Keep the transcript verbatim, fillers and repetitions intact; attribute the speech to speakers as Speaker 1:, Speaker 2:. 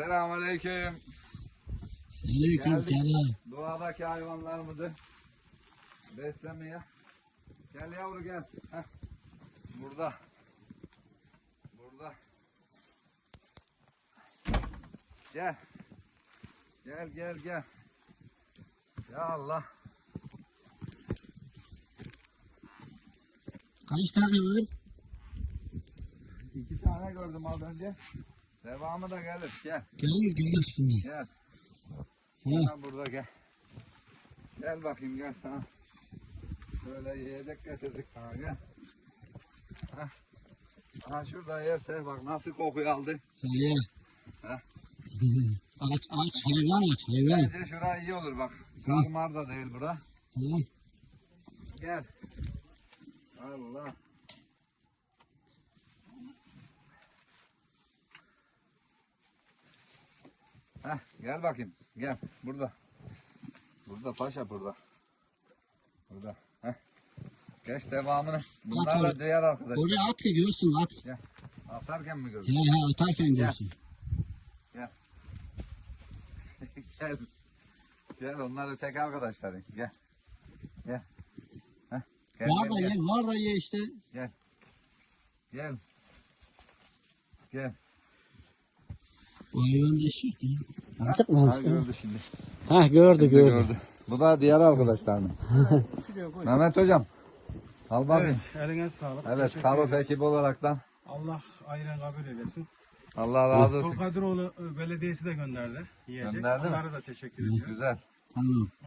Speaker 1: Selamünaleyküm.
Speaker 2: Aleyküm selam.
Speaker 1: Doğadaki hayvanlarımızı beslemeye. Gel yavru gel. Heh. Burada. Burada. Gel. Gel gel gel. Ya Allah.
Speaker 2: Kaç tane var?
Speaker 1: İki tane gördüm az önce. Devamı da gelir. Gel.
Speaker 2: Gelir gelir şimdi.
Speaker 1: Gel.
Speaker 2: Ha.
Speaker 1: Sen burada gel. Gel bakayım gel sana. Böyle yiyecek getirdik sana gel. Heh. Ha şurada yerse bak nasıl kokuyu aldı.
Speaker 2: Söyle.
Speaker 1: Ha.
Speaker 2: Aç aç hayvan aç hayvan.
Speaker 1: Bence şura iyi olur bak. Karmar da değil bura.
Speaker 2: Ha.
Speaker 1: Gel. Allah. Heh, gel bakayım. Gel. Burada. Burada paşa burada. Burada. Heh. Geç devamını. Bunlar da
Speaker 2: At
Speaker 1: diğer arkadaş.
Speaker 2: Oraya at ki görsün at.
Speaker 1: Gel. Atarken mi gördün?
Speaker 2: He he atarken görsün.
Speaker 1: Gel. Gel. Gel onlar tek arkadaşların. Gel. Gel. Heh. Gel,
Speaker 2: Var
Speaker 1: gel,
Speaker 2: da
Speaker 1: gel.
Speaker 2: ye var da ye işte.
Speaker 1: Gel. Gel. Gel.
Speaker 2: Bu hayvan da eşek ya. Artık mı
Speaker 1: Ha
Speaker 2: hasta?
Speaker 1: gördü şimdi.
Speaker 2: Ha gördü
Speaker 1: Şimdi
Speaker 2: gördü.
Speaker 1: gördü. Bu da diğer arkadaşlar mı? Mehmet hocam. Al bakayım.
Speaker 3: Evet, eline sağlık.
Speaker 1: Evet,
Speaker 3: Teşekkür
Speaker 1: Karuf
Speaker 3: ederiz.
Speaker 1: ekibi olaraktan
Speaker 3: Allah ayran kabul eylesin.
Speaker 1: Allah razı olsun.
Speaker 3: Tulkadiroğlu Belediyesi de gönderdi. Yiyecek.
Speaker 1: Gönderdi mi?
Speaker 3: Onlara da teşekkür ediyorum.
Speaker 1: Güzel.
Speaker 2: Tamam.